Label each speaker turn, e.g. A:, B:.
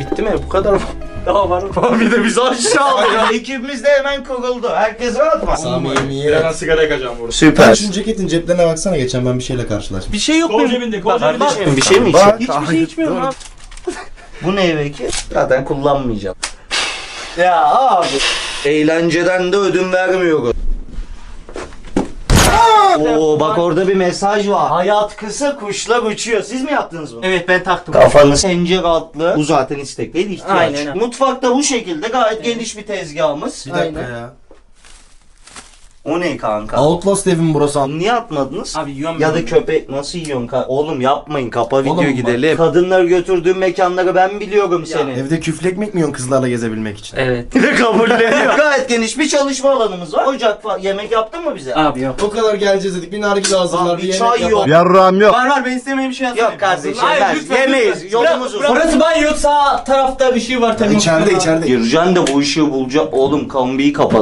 A: Bitti mi? Bu kadar mı? Daha var mı?
B: Bir de bizi aşağı alıyor. Ekibimiz de hemen kuruldu. Herkes rahat mı?
C: Samimiyet.
D: sigara yakacağım burada.
B: Süper.
C: Şunun ceketin ceplerine baksana, geçen ben bir şeyle karşılaştım.
A: Bir şey yok
D: Kol
A: benim.
D: cebinde, kol cebinde.
B: Kardeşim bir şey mi
C: Bak.
B: içiyorsun?
A: Hiçbir şey içmiyorum abi.
B: Bu ne peki? Zaten kullanmayacağım. Ya abi. Eğlenceden de ödün vermiyoruz. Oo bak orada bir mesaj var. Hayat kısa, kuşlar uçuyor. Siz mi yaptınız bunu?
A: Evet ben taktım.
B: Kafanız pencere altlı. Bu zaten istek değil, ihtiyaç.
A: Aynen.
B: Mutfakta bu şekilde gayet geniş bir tezgahımız.
C: Bir dakika
A: Aynen.
C: ya.
B: O ne kanka?
C: Outlast evim burası.
B: Niye atmadınız?
A: Abi yiyorum
B: Ya
A: ben
B: da
A: bunu.
B: köpek nasıl yiyorsun? Oğlum yapmayın, kapa video
C: Oğlum bak.
B: gidelim. Kadınları götürdüğün mekanları ben biliyorum senin.
C: Evde küflü ekmek mi yiyorsun kızlarla gezebilmek için?
A: Evet.
B: Ne kabulleniyor. Gayet geniş bir çalışma alanımız var. Ocak falan. Yemek yaptın mı bize?
A: Abi yok.
C: O kadar geleceğiz dedik, bir nargile hazırlar,
B: Abi
C: bir yemek
B: çay yok.
C: yapar.
E: Yarrağım yok.
A: Var ben istemeyeyim bir şey yazmayayım.
B: Yok kardeşim
A: Hayır,
B: ben
A: lütfen,
B: yemeyiz.
A: lütfen.
B: Yolumuz uzun.
A: Burası banyo, sağ tarafta bir şey var.
C: Ya içeride.
B: Gireceksin de bu işi bulacak. Oğlum kombiyi kapat.